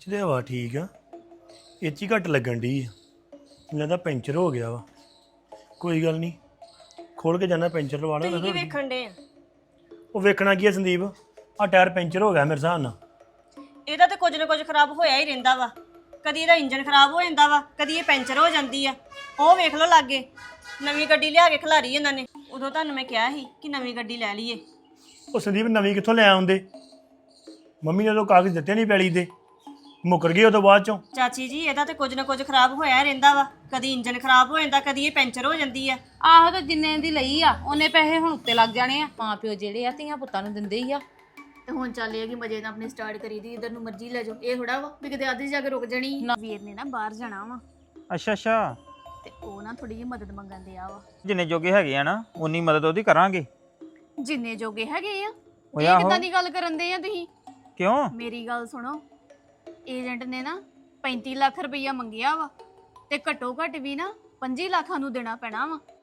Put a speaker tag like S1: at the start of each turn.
S1: ਚ ਤੇ ਹਵਾ ਠੀਕ ਆ, ਇਹ 'ਚ ਹੀ ਘੱਟ ਲੱਗਣ ਡਈ ਆ। ਮੈਨੂੰ ਲੱਗਦਾ ਪੈਂਚਰ ਹੋ ਗਿਆ ਵਾ। ਕੋਈ ਗੱਲ ਨਹੀਂ, ਖੋਲ ਕੇ ਜਾਣਾ ਪੈਂਚਰ ਲਵਾ
S2: ਤੁਸੀਂ ਕੀ
S1: ਲਾ।
S2: ਵੇਖਣ ਦੇ ਆ?
S1: ਉਹ ਵੇਖਣਾ ਕੀ ਆ ਸੰਦੀਪ, ਆ ਟਾਇਰ ਪੈਂਚਰ ਹੋ ਗਿਆ ਮੇਰੇ ਹਿਸਾਬ ਨਾਲ।
S2: ਇਹਦਾ ਤੇ ਕੁਝ ਨਾ ਕੁਝ ਖਰਾਬ ਹੋਇਆ ਹੀ ਰਹਿੰਦਾ ਵਾ। ਕਦੀ ਇਹਦਾ ਇੰਜਨ ਖਰਾਬ ਹੋ ਜਾਂਦਾ ਵਾ, ਕਦੀ ਇਹ ਪੈਂਚਰ ਹੋ ਜਾਂਦੀ ਆ। ਉਹ ਵੇਖ ਲਓ ਲਾਗੇ, ਨਵੀਂ ਗੱਡੀ ਲਿਆ ਕੇ ਖਿਲਾਰੀ ਇਹਨਾਂ ਨੇ। ਉਦੋਂ ਤੁਹਾਨੂੰ ਮੈਂ ਕਿਹਾ ਸੀ ਕਿ ਨਵੀਂ ਗੱਡੀ ਲੈ ਲਈਏ।
S1: ਉਹ ਸੰਦੀਪ ਨਵੀਂ ਕਿੱਥੋਂ ਲੈ ਆਉਂਦੇ? ਮੰਮੀ ਨੇ ਉਹ ਕਾਗਜ਼ ਦਿੱਤੇ ਨਹੀਂ ਪੈਲੀ ਦੇ, ਮੁੱਕਰ ਗਏ ਉਹ ਤੋਂ ਬਾਅਦ ਚੋਂ।
S2: ਚਾਚੀ ਜੀ ਇਹਦਾ ਤੇ ਕੁਝ ਨਾ ਕੁਝ ਖਰਾਬ ਹੋਇਆ ਹੀ ਰਹਿੰਦਾ ਵਾ। ਕਦੀ ਇੰਜਨ ਖਰਾਬ ਹੋ ਜਾਂਦਾ, ਕਦੀ ਇਹ ਪੈਂਚਰ ਹੋ ਜਾਂਦੀ ਆ।
S3: ਆਹੋ ਤਾਂ ਜਿੰਨੇ ਦੀ ਲਈ ਆ ਉਹਨੇ ਪੈਸੇ ਹੁਣ ਉੱਤੇ ਲੱਗ ਜਾਣੇ ਆ। ਮਾਂ ਪਿਓ ਜਿਹੜੇ ਆ ਧੀਆਂ ਪੁੱਤਾਂ ਨੂੰ ਦਿੰਦੇ ਹੀ ਆ।
S4: ਤੇ ਹੁਣ ਚੱਲ ਇਹ ਕਿ ਮਜੇ ਨਾਲ ਆਪਣੀ ਸਟਾਰਟ ਕਰੀ ਦੀ, ਇਧਰ ਨੂੰ ਮਰਜ਼ੀ ਲੈ ਜਾਓ। ਇਹ ਥੋੜਾ ਵਾ ਵੀ ਕਿਤੇ ਅੱਧੀ ਜਾ ਕੇ ਰੁਕ ਜਾਣੀ। ਵੀਰ ਨੇ ਨਾ ਬਾਹਰ ਜਾਣਾ ਵਾ
S5: ਅੱਛਾ ਅੱਛਾ,
S4: ਤੇ ਉਹ ਨਾ ਥੋੜੀ ਜਿਹੀ ਮਦਦ ਮੰਗਣ ਦੇ ਆ ਵਾ।
S5: ਜਿੰਨੇ ਜੋਗੇ ਹੈਗੇ ਆ ਨਾ ਉਨੀ ਮਦਦ ਉਹਦੀ ਕਰਾਂਗੇ।
S4: ਜਿੰਨੇ ਜੋਗੇ ਹੈਗੇ ਆ।
S5: ਓਏ
S4: ਇਹ
S5: ਆਹੋ।
S4: ਕਿੱਦਾਂ ਦੀ ਗੱਲ ਕਰਨ ਦੇ ਆ ਤੁਸੀਂ?
S5: ਕਿਉਂ?
S4: ਮੇਰੀ ਗੱਲ ਸੁਣੋ, ਏਜੰਟ ਨੇ ਨਾ 35 ਲੱਖ ਰੁਪਈਆ ਮੰਗਿਆ ਵਾ ਤੇ ਘੱਟੋ ਘੱਟ ਵੀ ਨਾ 25 ਲੱਖਾਂ ਨੂੰ ਦੇਣਾ ਪੈਣਾ ਵਾ।